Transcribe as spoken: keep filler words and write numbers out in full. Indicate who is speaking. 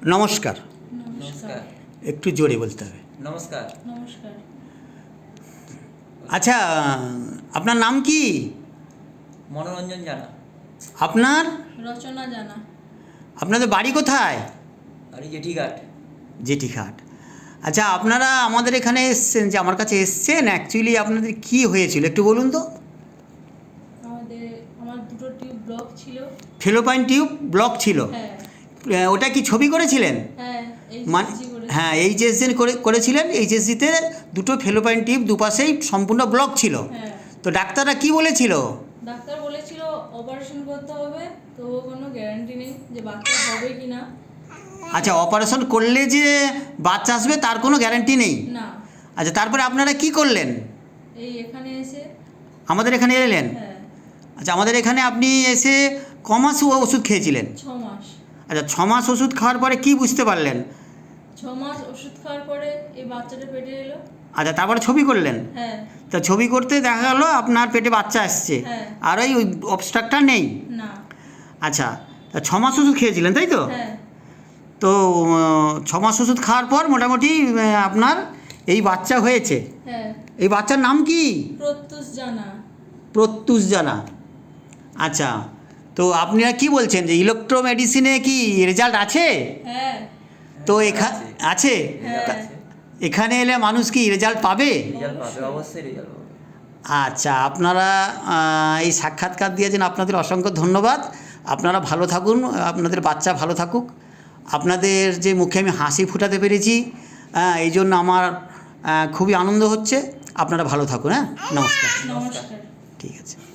Speaker 1: নমস্কার।
Speaker 2: নমস্কার।
Speaker 1: একটু জোরে বলতে হবে।
Speaker 2: নমস্কার।
Speaker 3: নমস্কার।
Speaker 1: আচ্ছা, আপনার নাম কি?
Speaker 2: মনোরঞ্জন জানা।
Speaker 1: আপনার?
Speaker 3: রচনা জানা।
Speaker 1: আপনাদের বাড়ি কোথায়?
Speaker 2: বাড়ি জেঠিঘাট।
Speaker 1: জেঠিঘাট। আচ্ছা, আপনারা আমাদের এখানে এসছেন, যে আমার কাছে এসছেন, অ্যাকচুয়ালি আপনাদের কি হয়েছিল একটু বলুন তো।
Speaker 3: আমাদের আমার দুটো টিউব ব্লক ছিল।
Speaker 1: ফেলোপাইন টিউব ব্লক ছিল।
Speaker 3: হ্যাঁ
Speaker 1: আহ, ওটা কি ছবি করেছিলেন?
Speaker 3: হ্যাঁ
Speaker 1: মানে
Speaker 3: এইচএসজি করেছি।
Speaker 1: হ্যাঁ, এইচএসজি করে করেছিলেন। এইচএসজিতে দুটো ফেলোপাইন টিউব দুপাশেই সম্পূর্ণ ব্লক ছিল।
Speaker 3: হ্যাঁ
Speaker 1: তো ডাক্তাররা কি বলেছিল?
Speaker 3: ডাক্তার বলেছিল অপারেশন করতে হবে, তো কোনো গ্যারান্টি নেই যে বাচ্চা হবে কি না।
Speaker 1: আচ্ছা, অপারেশন করলে যে বাচ্চা আসবে তার কোনো গ্যারান্টি নেই।
Speaker 3: না।
Speaker 1: আচ্ছা, তারপরে আপনারা কি করলেন?
Speaker 3: এই এখানে এসে
Speaker 1: আমাদের এখানে এলেন।
Speaker 3: হ্যাঁ
Speaker 1: আচ্ছা, আমাদের এখানে আপনি এসে ক মাস ও- ওষুধ খেয়েছিলেন?
Speaker 3: ছ মাস।
Speaker 1: আচ্ছা, ছ মাস ওষুধ খাওয়ার পরে কি বুঝতে পারলেন?
Speaker 3: ছ মাস ওষুধ খাওয়ার পরে এই বাচ্চাটা পেটে এলো।
Speaker 1: আচ্ছা, তারপরে ছবি করলেন।
Speaker 3: হ্যাঁ
Speaker 1: তা ছবি করতে দেখা গেল আপনার পেটে বাচ্চা আসছে,
Speaker 3: হ্যাঁ।
Speaker 1: আর ওই অবস্ট্রাকটা নেই।
Speaker 3: না।
Speaker 1: আচ্ছা, তা ছ মাস ওষুধ খেয়েছিলেন তাই তো?
Speaker 3: হ্যাঁ
Speaker 1: তো উম, ছ মাস ওষুধ খাওয়ার পর মোটামুটি উম, আপনার এই বাচ্চা হয়েছে।
Speaker 3: হ্যাঁ
Speaker 1: এই বাচ্চার নাম কি?
Speaker 3: প্রত্যুষ জানা।
Speaker 1: প্রত্যুষ জানা। আচ্ছা, তো আপনারা কি বলছেন যে ইলেকট্রো মেডিসিনে কি রেজাল্ট আছে?
Speaker 3: হ্যাঁ
Speaker 1: তো এখানে আছে।
Speaker 3: হ্যাঁ।
Speaker 1: তা এখানে এলে মানুষ কি রেজাল্ট পাবে?
Speaker 2: রেজাল্ট পাবে, অবশ্যই রেজাল্ট পাবে।
Speaker 1: আচ্ছা, আপনারা আহ, এই সাক্ষাৎকার দিয়েছেন, আপনাদের অসংখ্য ধন্যবাদ। আপনারা ভালো থাকুন, আপনাদের বাচ্চা ভালো থাকুক। আপনাদের যে মুখে আমি হাসি ফুটাতে পেরেছি, হ্যাঁ, এই জন্য আমার আহ, খুবই আনন্দ হচ্ছে। আপনারা ভালো থাকুন। হ্যাঁ, নমস্কার।
Speaker 3: নমস্কার।
Speaker 1: ঠিক আছে।